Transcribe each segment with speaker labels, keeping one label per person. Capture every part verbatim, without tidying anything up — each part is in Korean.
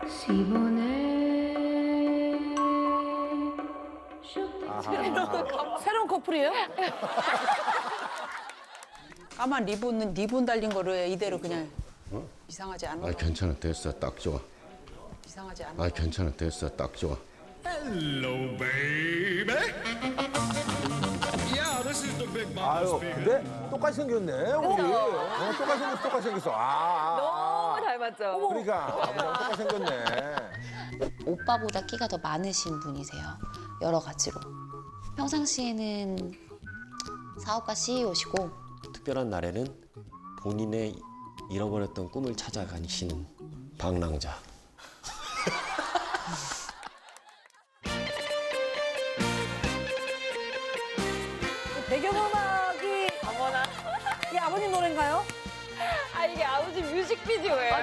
Speaker 1: 새로운 커플이에요?
Speaker 2: 까만 리본은 리본 달린 거를 이대로 그냥 이상하지 않아?
Speaker 3: 아 괜찮아 됐어 딱 좋아.
Speaker 2: 이상하지 않아?
Speaker 3: 아 괜찮아 됐어 딱 좋아.
Speaker 4: Hello, baby. Yeah, this is the big mama
Speaker 5: 아유,
Speaker 4: speaking.
Speaker 5: 근데 똑같이 생겼네, 우리. 어, 똑같이 생겼어, 똑같이 생겼어. 아, 아, 아.
Speaker 1: 너무 닮았죠?
Speaker 5: 그러니까, 아버지랑 똑같이 생겼네.
Speaker 6: 오빠보다 끼가 더 많으신 분이세요. 여러 가지로. 평상시에는 사업가 씨이오시고
Speaker 7: 특별한 날에는 본인의 잃어버렸던 꿈을 찾아가시는 방랑자.
Speaker 1: 배경음악이 어머나 이게 아버님 노래인가요?
Speaker 8: 아 이게 아버지 뮤직비디오예요?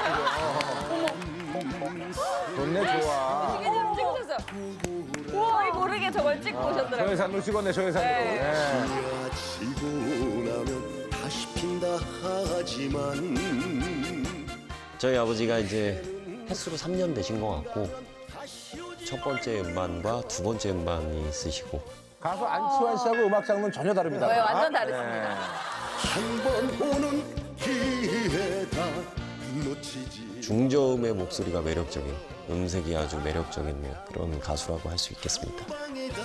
Speaker 5: 좋네, 좋아.
Speaker 8: 이게 지금 찍으셨어요. 거의 모르게 저걸 찍고 오셨더라고요.
Speaker 5: 조회산으로 찍었네, 조회산으로.
Speaker 8: 네.
Speaker 5: 네.
Speaker 9: 지고 나면 다시 핀다 하지만
Speaker 7: 저희 아버지가 이제 횟수로 삼 년 되신 것 같고 첫 번째 음반과 두 번째 음반이 있으시고
Speaker 5: 가수 안치환 씨하고 음악 장르는 전혀 다릅니다.
Speaker 8: 네, 완전 다르습니다.
Speaker 9: 한 번 오는 기회다 놓치지
Speaker 7: 중저음의 목소리가 매력적인 음색이 아주 매력적인 그런 가수라고 할 수 있겠습니다.
Speaker 9: 방에다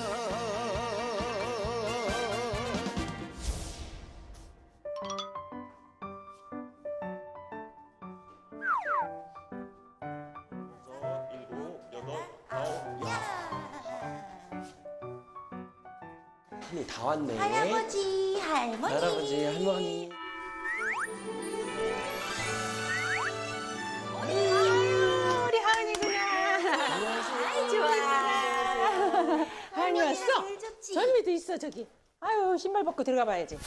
Speaker 7: 손이 다 왔네.
Speaker 6: 할아버지, 할머니.
Speaker 7: 할아버지, 할머니.
Speaker 2: 우리 하은이구나. 아이 좋아. 하은이 왔어? 전미도 있어 저기. 아유 신발 벗고 들어가 봐야지.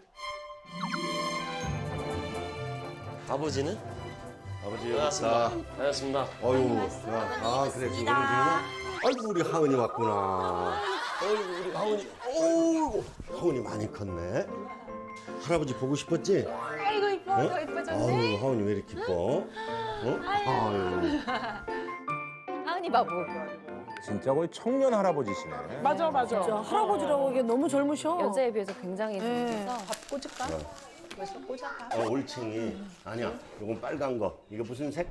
Speaker 7: 아버지는?
Speaker 3: 아버지
Speaker 7: 반갑습니다. 반갑습니다.
Speaker 3: 어유 야, 아 그래 지금 오늘 중이야? 아이고 우리 하은이 왔구나. 어이구 우리 하은이. 어이구 하은이 많이 컸네. 할아버지 보고 싶었지?
Speaker 8: 아이고 이뻐, 더 이뻐졌네.
Speaker 3: 아유 하은이 왜 이렇게 이뻐? 어? 아유.
Speaker 8: 하은이 바보.
Speaker 5: 진짜 거의 청년 할아버지시네.
Speaker 1: 맞아, 맞아. 진짜 할아버지라고 하기엔 너무 젊으셔.
Speaker 8: 여자에 비해서 굉장히 젊으셔서
Speaker 2: 밥 꽂을까? 벌써 꽂아가.
Speaker 3: 어, 올챙이 아니야. 이건 빨간 거. 이거 무슨 색?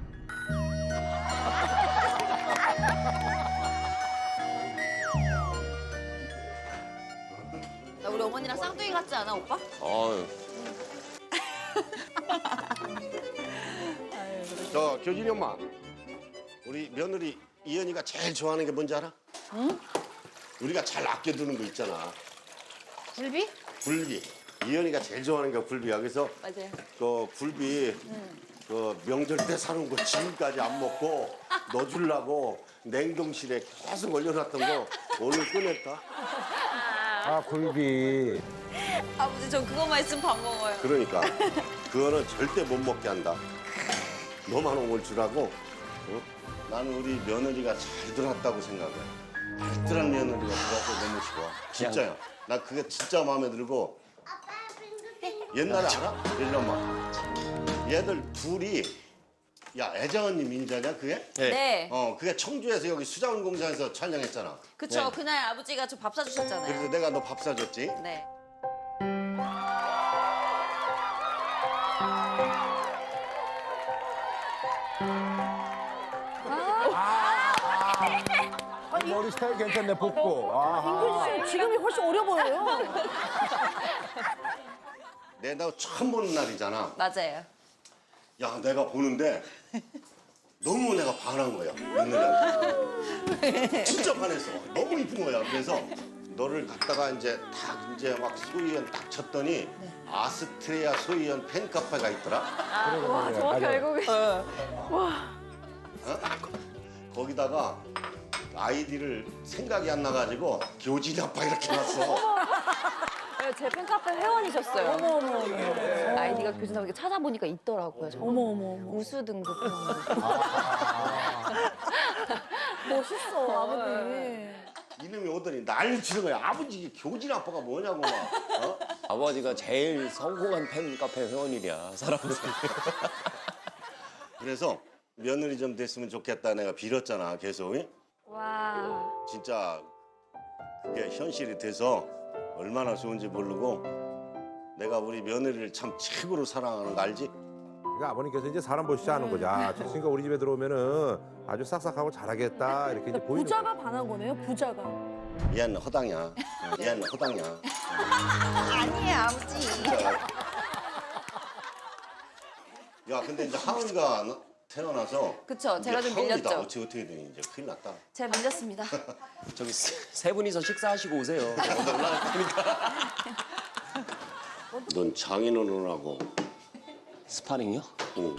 Speaker 8: 나 우리 어머니랑 쌍둥이 같지 않아 오빠?
Speaker 7: 아유.
Speaker 3: 저 교진이 엄마. 우리 며느리 이현이가 제일 좋아하는 게 뭔지 알아? 응? 우리가 잘 아껴두는 거 있잖아.
Speaker 8: 굴비?
Speaker 3: 굴비. 이현이가 제일 좋아하는 게 굴비야. 그래서
Speaker 8: 맞아요.
Speaker 3: 그 굴비 그 명절 때 사놓은 거 지금까지 안 먹고 넣어주려고 냉동실에 계속 얼려놨던 거 오늘 꺼냈다.
Speaker 5: 아, 굴비.
Speaker 8: 아버지 저 그거만 있으면 밥 먹어요.
Speaker 3: 그러니까 그거는 절대 못 먹게 한다. 너만 오늘 주라고. 어? 나는 우리 며느리가 잘 들었다고 생각해. 알뜰한 며느리가 들어서 너무 좋아. 진짜야. 나 그게 진짜 마음에 들고. 옛날에 알아? 일로 엄마. 얘들 둘이 야 애정 언니 민자냐 그게?
Speaker 8: 네.
Speaker 3: 어 그게 청주에서 여기 수자원 공장에서 촬영했잖아.
Speaker 8: 그쵸.
Speaker 3: 네.
Speaker 8: 그날 아버지가 저 밥 사주셨잖아요.
Speaker 3: 그래서 내가 너 밥 사줬지.
Speaker 8: 네.
Speaker 5: 머리 스타일 괜찮네, 복고. 아하.
Speaker 1: 인규 씨 지금이 훨씬 어려 보여요.
Speaker 3: 내가 처음 보는 날이잖아.
Speaker 8: 맞아요.
Speaker 3: 야 내가 보는데 너무 내가 반한 거야 며느리한테. 진짜 반했어. 너무 이쁜 거야. 그래서 너를 갖다가 이제 딱 이제 막 소희연 딱 쳤더니 아스트레아 소희연 팬카페가 있더라.
Speaker 8: 와 정확히 알고 계셔.
Speaker 3: 어? 거기다가 아이디를 생각이 안 나가지고 교진이 아빠 이렇게 놨어.
Speaker 8: 네, 제 팬카페 회원이셨어요.
Speaker 1: 어머, 어머, 어머.
Speaker 8: 아이디가 교진하고 이렇게 찾아보니까 있더라고요. 정말.
Speaker 1: 어머, 어머, 어머.
Speaker 8: 우수 등급 회원.
Speaker 1: 멋있어, 아버님.
Speaker 3: 이놈이 오더니 난리 치는 거야. 아버지 이게 교진 아빠가 뭐냐고 막. 어?
Speaker 7: 아버지가 제일 성공한 팬카페 회원이랴 살아보세요.
Speaker 3: 그래서 며느리 좀 됐으면 좋겠다 내가 빌었잖아 계속.
Speaker 8: 와.
Speaker 3: 진짜 그게 현실이 돼서 얼마나 좋은지 모르고 내가 우리 며느리를 참 최고로 사랑하는 거 알지?
Speaker 5: 그러니까 아버님께서 이제 사람 보시지 않은 거죠. 아, 저 친구가 우리 집에 들어오면은 아주 싹싹하고 잘하겠다 이렇게 이제 보이는
Speaker 1: 부자가
Speaker 5: 거죠.
Speaker 1: 반한 거네요, 부자가.
Speaker 3: 얘는 허당이야. 얘는 허당이야.
Speaker 6: 아니에요, 아버지.
Speaker 3: 야 근데 이제 하은이가 나- 태어나서
Speaker 6: 그쵸, 제가
Speaker 3: 이제
Speaker 6: 좀
Speaker 3: 하은이다.
Speaker 6: 밀렸죠.
Speaker 3: 어떻게 어떻게 되니 이제 큰일 났다.
Speaker 6: 제가 밀렸습니다.
Speaker 7: 저기 세, 세 분이서 식사하시고 오세요. 올라갈 테니까.
Speaker 3: 넌 장인어른하고
Speaker 7: 스파링이요?
Speaker 3: 응.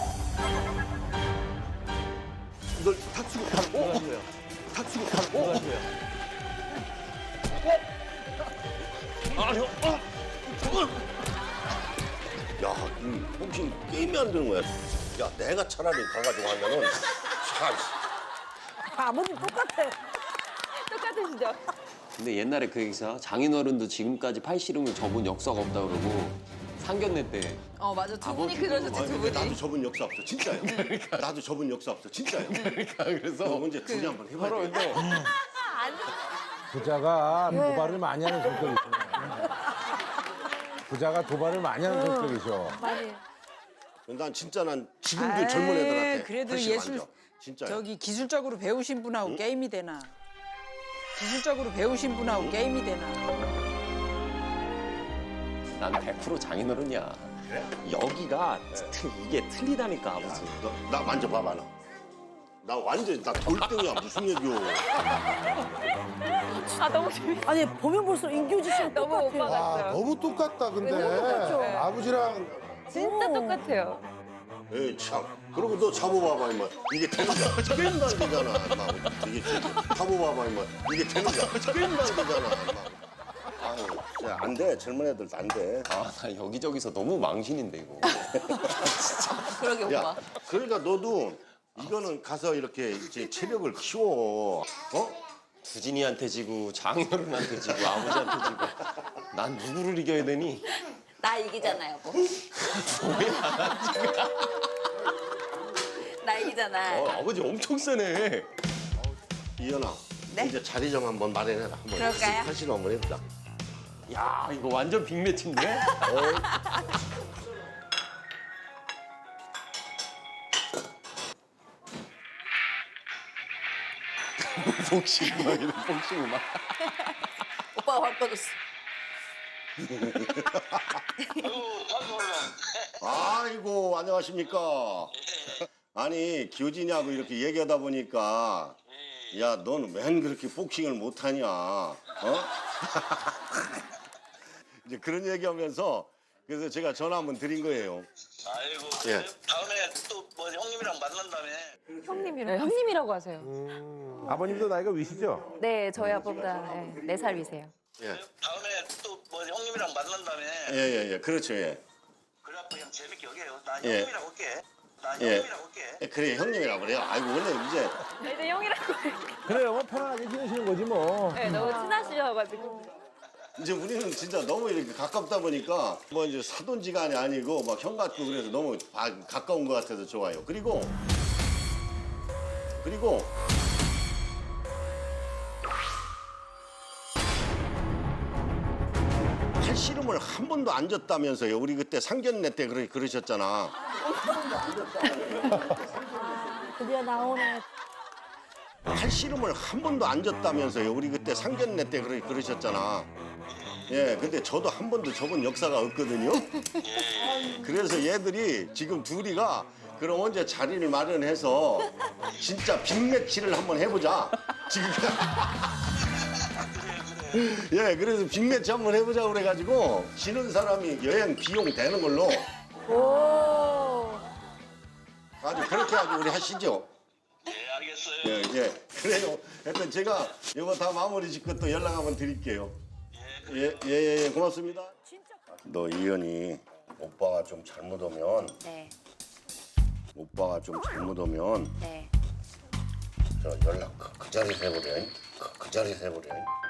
Speaker 3: 널 다치고 가고 어? 다치고 가고 어? 아니요. 어? 저걸. 야, 이 혹시 게임이 안 되는 거야. 야, 내가 차라리 가가지고 하면은 참.
Speaker 1: 아버님 똑같아.
Speaker 8: 똑같으시죠?
Speaker 7: 근데 옛날에 그 얘기사 장인어른도 지금까지 팔씨름을 접은 역사가 없다 그러고 상견례 때
Speaker 2: 어 맞아 두
Speaker 7: 아버지.
Speaker 2: 분이 그러셨지
Speaker 3: 아니,
Speaker 2: 두
Speaker 3: 근데
Speaker 2: 분이.
Speaker 3: 나도 접은 역사 없어, 진짜요. 나도 접은 역사 없어, 진짜요.
Speaker 7: 그러니까 그래서
Speaker 3: 너 언제 둘이 한번 해봐야 돼.
Speaker 5: 부자가 도발을 많이 하는 성격이죠. 부자가 도발을 많이 하는 성격이죠.
Speaker 1: 많이.
Speaker 3: 난 진짜 난 지금도
Speaker 2: 아이,
Speaker 3: 젊은 애들한테
Speaker 2: 그래도
Speaker 3: 훨씬
Speaker 2: 예술
Speaker 3: 만져. 진짜요.
Speaker 2: 저기 기술적으로 배우신 분하고 게임이 되나? 기술적으로 배우신 분하고 게임이 되나?
Speaker 7: 난 백 퍼센트 장인어른이야. 여기가 트- 이게 틀리다니까 아버지.
Speaker 3: 너, 나 만져봐봐 나. 나 완전 나 돌덩이야 무슨 얘기요.
Speaker 8: 아 너무 재밌어.
Speaker 1: 아니, 보면 볼수록 인규지 씨랑
Speaker 8: 너무
Speaker 1: 똑같아요.
Speaker 8: 오빠
Speaker 9: 아,
Speaker 8: 같아요.
Speaker 9: 너무 똑같다, 근데.
Speaker 1: 너무 똑같죠?
Speaker 9: 아버지랑
Speaker 8: 진짜
Speaker 1: 오.
Speaker 8: 똑같아요.
Speaker 3: 에이 참. 그리고 너 잡아봐봐 임마. 이게 되는 거야. 게임도 안 되잖아. 임마. 이게 잡아봐봐 임마. 이게 되는 거야. 게임도 안 되잖아. 임마. 아유, 진짜 안 돼. 젊은 애들도 안 돼.
Speaker 7: 아 나 여기저기서 너무 망신인데 이거.
Speaker 6: 그러게, 오빠.
Speaker 3: 야, 그러니까 너도 이거는 가서 이렇게 이제 체력을 키워. 어?
Speaker 7: 두진이한테 지고 장인어른한테 지고 아버지한테 지고 난 누구를 이겨야 되니?
Speaker 6: 나 이기잖아, 여보. 나 이기잖아.
Speaker 7: 어, 아버지 엄청 세네.
Speaker 3: 이현아.
Speaker 6: 네?
Speaker 3: 이제 자리 좀 한번 마련해라. 한번
Speaker 6: 그럴까요?
Speaker 3: 사실 한번 해보자.
Speaker 7: 야 이거 완전 빅매치인데? 복싱 음악이네 복싱 음악.
Speaker 6: 오빠가 발 뻗었어.
Speaker 3: 아이고 안녕하십니까. 아니 교진이하고 이렇게 얘기하다 보니까 야 너는 웬 그렇게 복싱을 못하냐. 어? 이제 그런 얘기하면서 그래서 제가 전화 한번 드린 거예요.
Speaker 10: 아이고
Speaker 3: 예.
Speaker 10: 다음에 또 뭐 형님이랑 만난다며.
Speaker 8: 형님이라고. 네, 형님이라고 하세요.
Speaker 5: 아버님도 나이가 위시죠?
Speaker 8: 네, 저희 아빠보다 네 살 위세요.
Speaker 3: 예.
Speaker 10: 다음에 또 뭐 형님이랑 만난다며.
Speaker 3: 예예예 예, 그렇죠 예.
Speaker 10: 그래갖고 그냥 재밌게 여기에요. 나
Speaker 3: 예.
Speaker 10: 형님이랑 올게. 나
Speaker 3: 예.
Speaker 10: 형님이랑 올게.
Speaker 3: 예, 그래 형님이라 그래요. 아이고 원래 이제
Speaker 8: 네, 이제 형이라고.
Speaker 5: 그래요, 뭐 편안하게 지내시는 거지 뭐.
Speaker 8: 네, 너무 친하시셔가지고.
Speaker 3: 이제 우리는 진짜 너무 이렇게 가깝다 보니까 뭐 이제 사돈지간이 아니고 막 형 같고 그래서 너무 바- 가까운 것 같아서 좋아요. 그리고 그리고 팔씨름을 한 번도 안 졌다면서요. 우리 그때 상견례 때 그러, 그러셨잖아.
Speaker 1: 드디어 나오네.
Speaker 3: 팔씨름을 한 번도 안 졌다면서요. 우리 그때 상견례 때 그러, 그러셨잖아. 예, 근데 저도 한 번도 접은 역사가 없거든요. 그래서 얘들이 지금 둘이가 그럼 언제 자리를 마련해서 진짜 빅매치를 한번 해보자. 지금 예, 그래서 빅매치 한번 해보자 그래가지고 지는 사람이 여행 비용 되는 걸로
Speaker 1: 오.
Speaker 3: 아주 그렇게 아주 우리 하시죠.
Speaker 10: 예 알겠어요.
Speaker 3: 예, 예. 그래요. 하여튼 제가 이거 다 마무리 짓고 또 연락 한번 드릴게요. 예, 예, 예, 예. 고맙습니다. 너 이현이 오빠가 좀 잘못 오면
Speaker 6: 네,
Speaker 3: 오빠가 좀 잘못 오면
Speaker 6: 네.
Speaker 3: 저 연락 그, 그 자리에서 해보래. 그, 그 자리에서 해보래.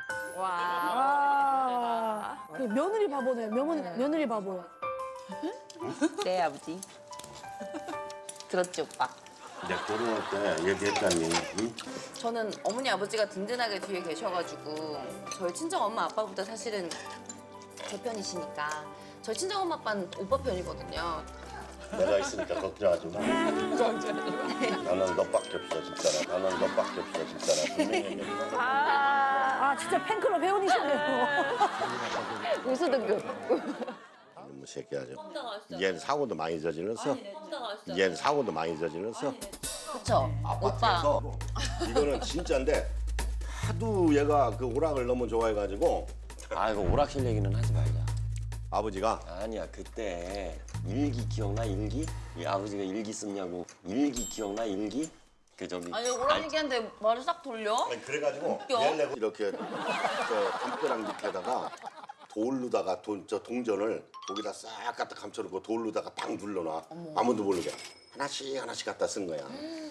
Speaker 1: 아. 그 며느리 바보네. 며느리, 며느리 바보.
Speaker 2: 네 아버지.
Speaker 6: 들었지, 오빠?
Speaker 3: 이제 결혼할 때 얘기했다니. 응?
Speaker 6: 저는 어머니 아버지가 든든하게 뒤에 계셔가지고 저희 친정 엄마 아빠보다 사실은 제 편이시니까 저희 친정 엄마 아빠는 오빠 편이거든요.
Speaker 3: 내가 있으니까 걱정하지 마. 나는 너밖에 없어 진짜라. 나는 너밖에 없어 진짜라. 분명히 얘기해.
Speaker 1: 아 진짜 팬클럽 회원이시네요.
Speaker 6: 우수등급.
Speaker 3: 이놈의 새끼 아주. 얘는 사고도 많이 저질렀어. 얘는 사고도 많이 저질렀어.
Speaker 6: 그쵸? 오빠.
Speaker 3: 아파트에서 이거는 진짜인데 하도 얘가 그 오락을 너무 좋아해가지고
Speaker 7: 아 이거 오락실 얘기는 하지 말자.
Speaker 3: 아버지가
Speaker 7: 아니야 그때 일기 기억나 일기? 이 아버지가 일기 썼냐고 일기 기억나 일기? 그 저기
Speaker 6: 아니 오라 얘기하는데 말을 싹 돌려?
Speaker 3: 아니, 그래가지고
Speaker 6: 웃겨.
Speaker 3: 얘를 이렇게 저 담벼락 밑에다가 돌로다가 돈, 저 동전을 거기다 싹 갖다 감춰놓고 돌로다가 딱 눌러놔. 아무도 모르게 하나씩 하나씩 갖다 쓴 거야.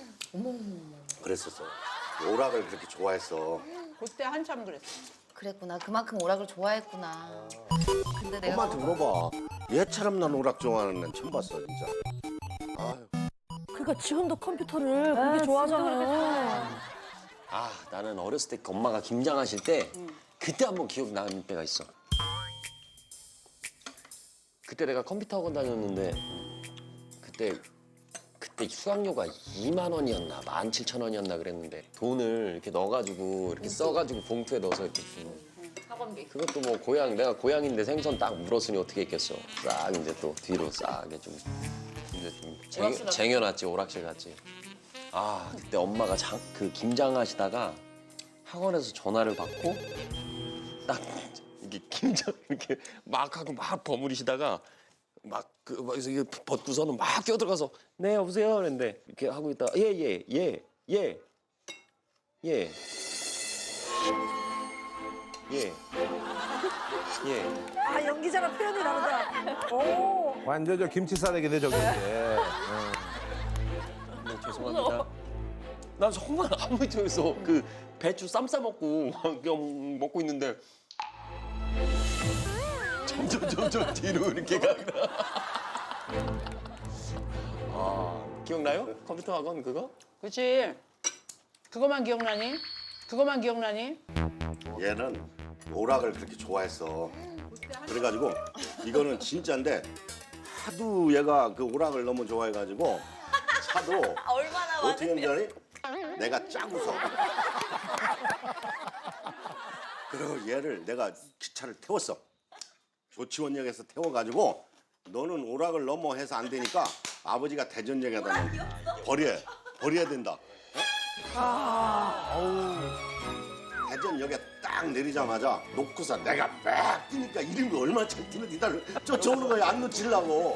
Speaker 3: 그랬었어. 오락을 그렇게 좋아했어.
Speaker 2: 그때 한참 그랬어.
Speaker 6: 그랬구나. 그만큼 오락을 좋아했구나. 근데 내가
Speaker 3: 엄마한테 물어봐. 얘처럼 난 오락 좋아하는 애는 처음 봤어 진짜. 아유.
Speaker 1: 그러니까 지금도 컴퓨터를 그렇게 좋아하잖아요.
Speaker 7: 아 나는 어렸을 때 엄마가 김장하실 때 그때 한번 기억나는 때가 있어. 그때 내가 컴퓨터 학원 다녔는데 그때 그때 수강료가 이만 원이었나 만 칠천 원이었나 그랬는데 돈을 이렇게 넣어가지고 이렇게 써가지고 봉투에 넣어서 이렇게 주는.
Speaker 6: 학원비.
Speaker 7: 그것도 뭐 고향 내가 고향인데 생선 딱 물었으니 어떻게 했겠어. 싹 이제 또 뒤로 싹 이제 좀 이제 좀 쟁여, 쟁여놨지 오락실 갔지. 아 그때 엄마가 장, 그 김장하시다가 학원에서 전화를 받고 딱 이게 김장 이렇게 막 하고 막 버무리시다가 막그 막에서 이게 벗고서는 막 끼어들어가서 네 여보세요 그랬는데 이렇게 하고 있다가 예예 예 예 예 예 예.
Speaker 1: 아 연기자랑 표현이 다르다. 오.
Speaker 5: 완전 저 김치 싸대기네 저게 이제.
Speaker 7: 네, 죄송합니다. 난 정말 아무 쪽에서 그 배추 쌈 싸 먹고 그냥 먹고 있는데 점점 점점 뒤로 이렇게 가다. 아 기억나요? 컴퓨터 학원 그거?
Speaker 2: 그렇지. 그거만 기억나니? 그거만 기억나니?
Speaker 3: 얘는 오락을 그렇게 좋아했어. 그래가지고 이거는 진짜인데 하도 얘가 그 오락을 너무 좋아해가지고 차도
Speaker 6: 얼마나
Speaker 3: 어떻게
Speaker 6: 많은데?
Speaker 3: 했는지 알아? 내가 짜고서 그리고 얘를 내가 기차를 태웠어. 조치원역에서 태워가지고 너는 오락을 너무 해서 안 되니까 아버지가 대전역에다 버려 버려야 된다. 대전역에 딱 내리자마자 놓고서 내가 막 뛰니까 이름이 얼마나 잘 뛰는지 나를 쫓아오는 거야. 안 놓치려고.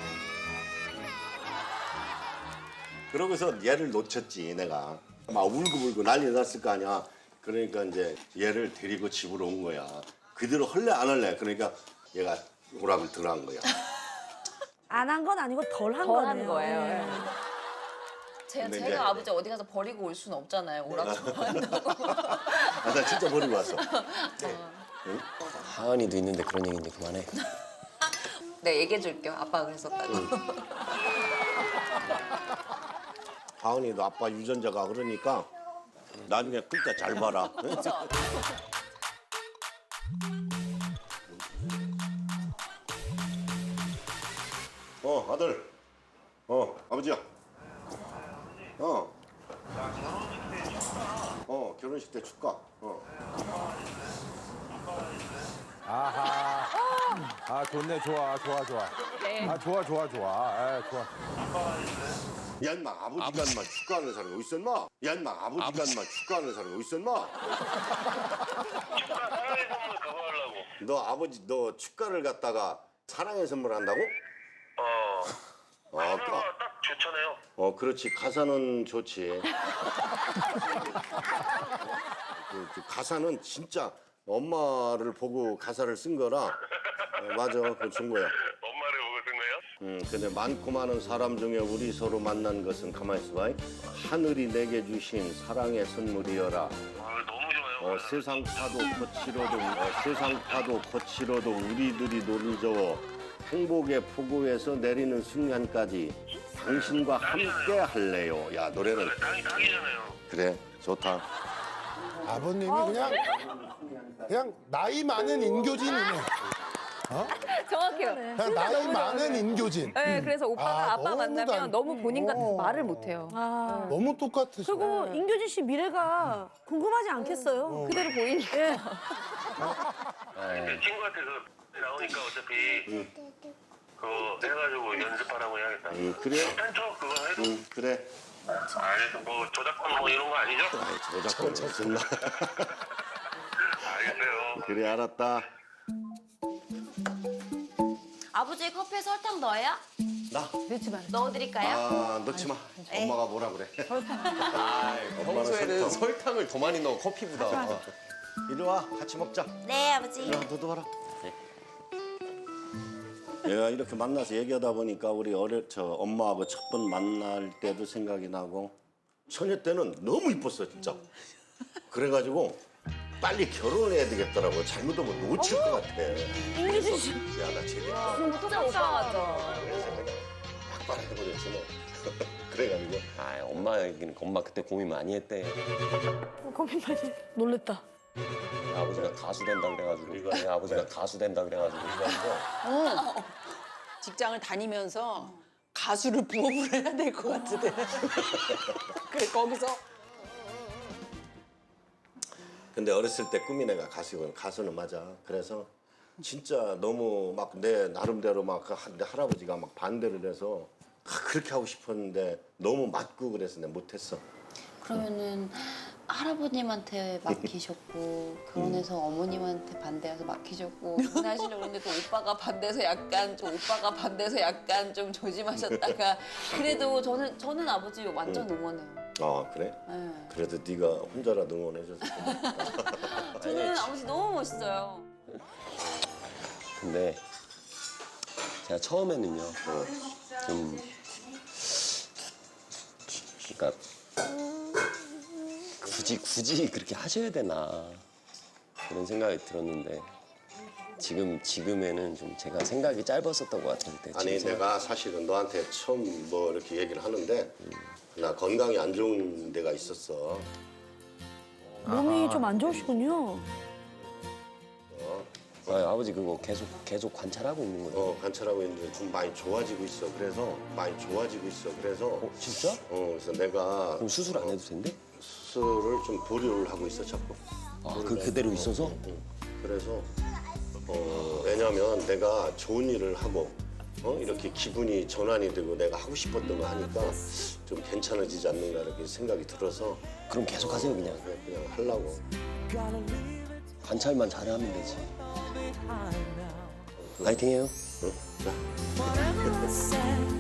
Speaker 3: 그러고서 얘를 놓쳤지 내가. 막 울고불고 난리 났을 거 아니야. 그러니까 이제 얘를 데리고 집으로 온 거야. 그대로 할래 안 할래. 그러니까 얘가 오락을 덜 한 거야.
Speaker 1: 안 한 건 아니고 덜 한
Speaker 8: 덜 한
Speaker 1: 거네요.
Speaker 8: 거예요.
Speaker 1: 예.
Speaker 6: 제,
Speaker 3: 근데
Speaker 6: 제가
Speaker 3: 이제-
Speaker 6: 아버지 어디 가서 버리고 올 수는 없잖아요. 오락 좋아한다고.
Speaker 3: 아, 나 진짜 버리고 왔어.
Speaker 7: 하은이도 있는데 그런 얘기 이제 그만해.
Speaker 6: 네, 얘기해 줄게요. 아빠가 그랬었다고.
Speaker 3: 하은이도 아빠 유전자가 그러니까 나중에 클 때 잘 봐라.
Speaker 6: 그렇죠.
Speaker 3: 어, 아들. 어, 아버지야. 어. 어, 결혼식 때 축가. 어.
Speaker 5: 아하. 아 좋네 좋아 좋아 좋아. 아 좋아 좋아 좋아. 아 좋아.
Speaker 3: 야, 인마 아버지가 인마 축가하는 사람이 어디 있어, 인마? 야, 인마 아버지가 인마 축가하는 사람이 어디 있어, 인마?
Speaker 10: 축가 사랑의 선물 그거 하려고.
Speaker 3: 너 아버지 너 축가를 갖다가 사랑의 선물 한다고?
Speaker 10: 어.
Speaker 3: 어,
Speaker 10: 가사가
Speaker 3: 그,
Speaker 10: 딱 좋잖아요.
Speaker 3: 어, 그렇지. 가사는 좋지. 그, 그 가사는 진짜 엄마를 보고 가사를 쓴 거라. 어, 맞아, 그거 준 거야.
Speaker 10: 엄마를 보고 쓴 거예요?
Speaker 3: 음, 근데 많고 많은 사람 중에 우리 서로 만난 것은 가만히 있어봐. 하늘이 내게 주신 사랑의 선물이여라.
Speaker 10: 아, 너무 좋아요.
Speaker 3: 어, 세상 파도 거칠어도 어, 세상 파도 거칠어도 우리들이 노를 저어 행복의 폭우에서 내리는 순간까지 당신과 함께 할래요. 야 노래는
Speaker 10: 땅이 땅이잖아요.
Speaker 3: 그래 좋다.
Speaker 11: 아버님이 그냥 그냥 나이 많은 인교진이네.
Speaker 8: 정확해요.
Speaker 11: 그냥 나이 많은 인교진.
Speaker 8: 네, 그래서 오빠가
Speaker 11: 아,
Speaker 8: 아, 빠
Speaker 11: 너무
Speaker 8: 만나면
Speaker 11: 단-
Speaker 8: 너무 본인 같아서
Speaker 11: 어.
Speaker 8: 말을 못해요.
Speaker 1: 아.
Speaker 11: 너무 똑같으시네.
Speaker 1: 그리고 인교진 씨 미래가 궁금하지 않겠어요?
Speaker 8: 그대로 보이니까.
Speaker 1: 예.
Speaker 10: 근데 친구한테 그 나오니까 어차피 그거 해가지고 연습하라고 해야겠다.
Speaker 3: 응 그래.
Speaker 10: 펜터 그거 해도
Speaker 3: 응 그래.
Speaker 10: 알겠어. 뭐 저작권 뭐 이런 거 아니죠?
Speaker 3: 아이 저작권 무슨 말.
Speaker 10: 알겠어요.
Speaker 3: 그래 알았다.
Speaker 6: 아버지 커피에 설탕 넣어요?
Speaker 3: 나?
Speaker 6: 넣어드릴까요?
Speaker 3: 아 넣지 마. 엄마가 뭐라 그래.
Speaker 7: 아, 평소에는 설탕을 더 많이 넣어 커피보다.
Speaker 3: 이리 와 같이 먹자.
Speaker 6: 네 아버지.
Speaker 3: 야, 너도 와라. 내가 이렇게 만나서 얘기하다 보니까 우리 어릴 저 엄마하고 첫 번 만날 때도 생각이 나고 처녀 때는 너무 이뻤어 진짜. 그래가지고 빨리 결혼을 해야 되겠더라고. 잘못하면 놓칠 것 같아.
Speaker 1: 인교진 씨.
Speaker 3: 야나 제대로
Speaker 8: 진짜 오빠 같죠.
Speaker 3: 그래서 내가 막바로 해버렸지 뭐. 그래가지고
Speaker 7: 아, 엄마 얘기는 엄마 그때 고민 많이 했대.
Speaker 1: 고민까지 놀랬다.
Speaker 7: 아버지가 가수 된다 그래가지고 이거 아버지가 가수 된다 그래가지고 이거
Speaker 2: 직장을 다니면서 가수를 부업을 해야 될 것 같은데. 그래 거기서
Speaker 3: 근데 어렸을 때 꿈이 내가 가수는 가수는 맞아. 그래서 진짜 너무 막 내 나름대로 막 내 할아버지가 막 반대를 해서 그렇게 하고 싶었는데 너무 맞고 그래서 내가 못했어.
Speaker 6: 그러면은 할아버님한테 맡기셨고 결혼해서 어머님한테 반대해서 맡기셨고 결혼하시려고 했는데 또 오빠가 반대해서 약간 좀 오빠가 반대해서 약간 좀 조심하셨다가 그래도 저는 저는 아버지 완전 응원해요.
Speaker 3: 아 그래?
Speaker 6: 네.
Speaker 3: 그래도 네가 혼자라도 응원해줘서 고맙다.
Speaker 6: 저는 아버지 너무 멋있어요.
Speaker 7: 근데 제가 처음에는요 좀 그러니까 굳이 굳이 그렇게 하셔야 되나 그런 생각이 들었는데 지금 지금에는 좀 제가 생각이 짧았었던 것 같을 때
Speaker 3: 아니
Speaker 7: 지금
Speaker 3: 내가 사실은 너한테 처음 뭐 이렇게 얘기를 하는데 나 건강이 안 좋은 데가 있었어.
Speaker 1: 몸이 좀 안 좋으시군요.
Speaker 7: 아, 아버지 그거 계속 계속 관찰하고 있는 거예요.
Speaker 3: 어 관찰하고 있는데 좀 많이 좋아지고 있어. 그래서 많이 좋아지고 있어. 그래서
Speaker 7: 어, 진짜?
Speaker 3: 어 그래서 내가
Speaker 7: 그럼 수술 안 해도 된대?
Speaker 3: 수술을 좀 보류를 하고 있어 자꾸.
Speaker 7: 아, 그 그대로 있어서?
Speaker 3: 응, 응. 그래서 어 왜냐면 내가 좋은 일을 하고 어 이렇게 기분이 전환이 되고 내가 하고 싶었던 거 하니까 좀 괜찮아지지 않는가 이렇게 생각이 들어서
Speaker 7: 그럼 계속 하세요 그냥.
Speaker 3: 그냥, 그냥 하려고.
Speaker 7: 관찰만 잘하면 되지. 파이팅해요.
Speaker 3: 응? 자.